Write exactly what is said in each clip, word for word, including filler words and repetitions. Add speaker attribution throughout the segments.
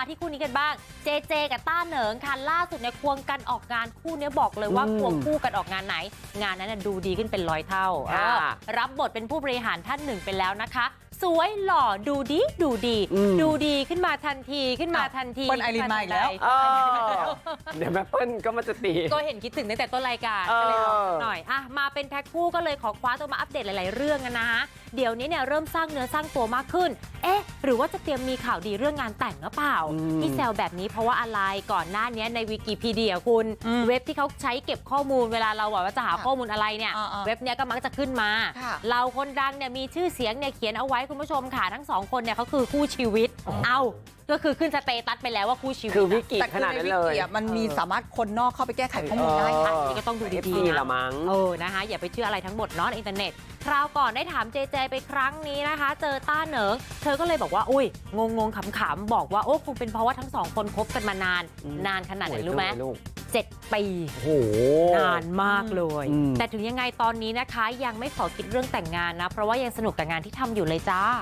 Speaker 1: มาที่คู่นี้กันบ้างเจเจกับต้าเหนิงค่ะล่าสุดเนี่ยควงกันออกงานคู่นี้บอกเลยว่าควงคู่กันออกงานไหนงานนั้นดูดีขึ้นเป็นร้อยเท่ารับบทเป็นผู้บริหารท่านหนึ่งไปแล้วนะคะสวยหล่อดูดีดูดีดูดีขึ้นมาทันทีขึ้นมาทันที
Speaker 2: เปิ้ลไอรินมาอีกแล้ว
Speaker 3: เดี๋ยวแม่เปิ้ลก็มาจะตี
Speaker 1: ก็เห็นคิดถึงตั้งแต่ต้นรายการก็เลยลองหน่อยอ่ะมาเป็นแพ็คคู่ก็เลยขอคว้าตัวมาอัปเดตหลายๆเรื่องกันนะฮะเดี๋ยวนี้เนี่ยเริ่มสร้างเนื้อสร้างตัวมากขึ้นเอ๊ะหรือว่าจะเตรียมมีข่าวดีเรื่องงานแต่งหรือเปล่าที่แซวแบบนี้เพราะว่าอะไรก่อนหน้านี้ในวิกิพีเดียคุณเว็บที่เขาใช้เก็บข้อมูลเวลาเราบอกว่าจะหาข้อมูลอะไรเนี่ยเว็บเนี้ยก็มักจะขึ้นมาเราคนดังเนี่ยมีชื่อเสียงเนี่ยเขียนเอาไว้คุณผู้ชมค่ะทั้งสองคนเนี่ยเขาคือคู่ชีวิตเอาก็คือขึ้นสเตตัสไปแล้วว่าคู่ชีวิต
Speaker 3: คือวิกิขนาดนั้นเลย
Speaker 2: มันมีสามารถคนนอกเข้าไปแก้ไขข้อมูลได้ค่ะ
Speaker 1: นี่ก็ต้องดูดีๆนะมั้งเออนะคะอย่าไปเชื่ออะไรทั้งหมดเนาะในอินเทอร์เน็ตคราวก่อนได้ถามเจเจไปครั้งนี้นะคะเจอต้าเหนิงเธอก็เลยบอกว่าอุ้ยงงงขำๆบอกว่าโอ้คงเป็นเพราะว่าทั้งสองคนคบกันมานานนานขนาดไหนรู้ไหมเจ็ดปีโอ้โหนานมากเลยแต่ถึงยังไงตอนนี้นะคะยังไม่ขอคิดเรื่องแต่งงานนะเพราะว่ายังสนุกกับงานที่ทำอยู่เลยจ้า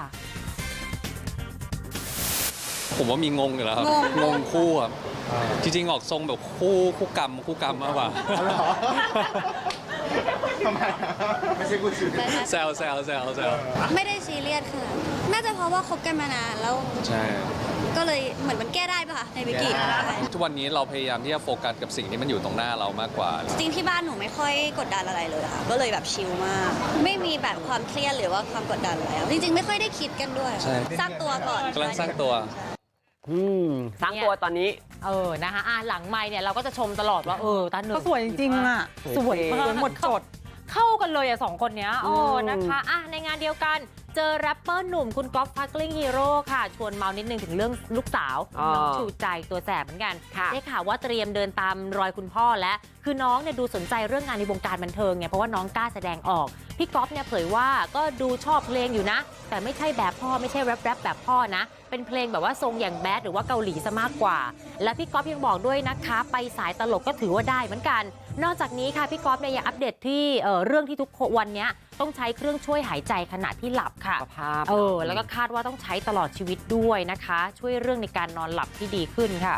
Speaker 4: ผมว่ามีงงอยู่แล้วครับงงคู่ครับจริงๆออกทรงแบบคู่คู่กรรมคู่กรรมมากกว่า
Speaker 5: ทำไมไม่ใช่คู่ชีวิต
Speaker 4: แซวแซวแซวแซว
Speaker 6: ไม่ได้ซีเรียสค่ะน่าจะเพราะว่าคบกันมานานแล้ว
Speaker 4: ใช่
Speaker 6: ก็เลยเหมือนมันแก้ได้ป่ะคะในวิกิ
Speaker 4: ทุกวันนี้เราพยายามที่จะโฟกัสกับสิ่งที่มันอยู่ตรงหน้าเรามากกว่า
Speaker 6: จริงที่บ้านหนูไม่ค่อยกดดันอะไรเลยค่ะก็เลยแบบชิลมากไม่มีแบบความเครียดหรือว่าความกดดันอะไรจริงๆไม่ค่อยได้คิดกันด้วยสร้างตัวก่อน
Speaker 4: กำลังสร้างตัว
Speaker 3: อืมสร้างตัวตอนนี้
Speaker 1: เออนะคะอ่ะหลังไมค์เนี่ยเราก็จะชมตลอดว่าเออตาหนึ่ง
Speaker 2: ก็สวยจริงๆอ่ะ
Speaker 1: สวยมาก
Speaker 2: หมดจด
Speaker 1: เข้ากันเลยอ่ะสองคนเนี้ยโอ้นะคะอ่ะในงานเดียวกันเจอแรปเปอร์หนุ่มคุณก๊อฟฟักลิ่งฮีโร่ค่ะชวนเมานิดนึงถึงเรื่องลูกสาวน้องชูใจตัวแสบเหมือนกันได้ข่าวว่าเตรียมเดินตามรอยคุณพ่อและคือน้องเนี่ยดูสนใจเรื่องงานในวงการบันเทิงไงเพราะว่าน้องกล้าแสดงออกพี่ก๊อฟเนี่ยเผยว่าก็ดูชอบเพลงอยู่นะแต่ไม่ใช่แบบพ่อไม่ใช่แรปแรปแบบพ่อนะเป็นเพลงแบบว่าทรงอย่างแบดหรือว่าเกาหลีซะมากกว่าและพี่ก๊อฟยังบอกด้วยนะคะไปสายตลกก็ถือว่าได้เหมือนกันนอกจากนี้ค่ะพี่ก๊อฟเนี่ยยังอัปเดตที่เอ่อเรื่องที่ทุกวันนี้ต้องใช้เครื่องช่วยหายใจขณะที่หลับค่ะเออแล้วก็คาดว่าต้องใช้ตลอดชีวิตด้วยนะคะช่วยเรื่องในการนอนหลับที่ดีขึ้นค่ะ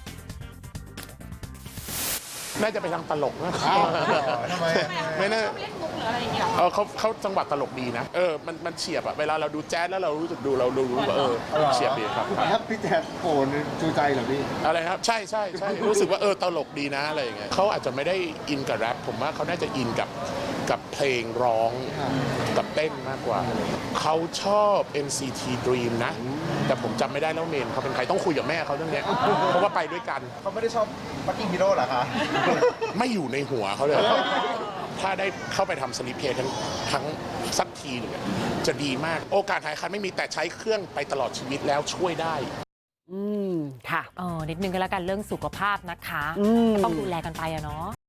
Speaker 5: น่าจะไปทางตลกนะ
Speaker 7: ทำไม
Speaker 5: ไม่น่าเล่นมุกหรืออะไรอย่างเงี้ยเออเขาเขาจังหวะตลกดีนะเออมันมันเฉียบอะเวลาเราดูแจ๊สแล้วเรารู้สึกดูเรารู้ว่าเออเฉียบดีครับ
Speaker 7: ครับพี่แจ๊ดโผล่จูใจเหรอพี่
Speaker 5: อะไรครับใช่ใช่ใช่รู้สึกว่าเออตลกดีนะอะไรอย่างเงี้ยเขาอาจจะไม่ได้อินกับแรปผมว่าเขาน่าจะอินกับกับเพลงร้องกับเต้นมากกว่าเขาชอบ เอ็น ซี ที Dream นะแต่ผมจำไม่ได้แล้วเมนเขาเป็นใครต้องคุยกับแม่เขาเรื่องนี้เพราะว่าไปด้วยกัน
Speaker 7: เขาไม่ได้ชอบบัคกิ้งฮีโร่เหรอคะ
Speaker 5: ไม่อยู่ในหัวเขาเลยถ้าได้เข้าไปทำสลิปเพย์ทั้งทั้งสักทีหนึ่งจะดีมากโอกาสหายคันไม่มีแต่ใช้เครื่องไปตลอดชีวิตแล้วช่วยได้
Speaker 1: อืมค่ะเออนิดนึงก็แล้วกันเรื่องสุขภาพนะคะต้องดูแลกันไปอะเนาะ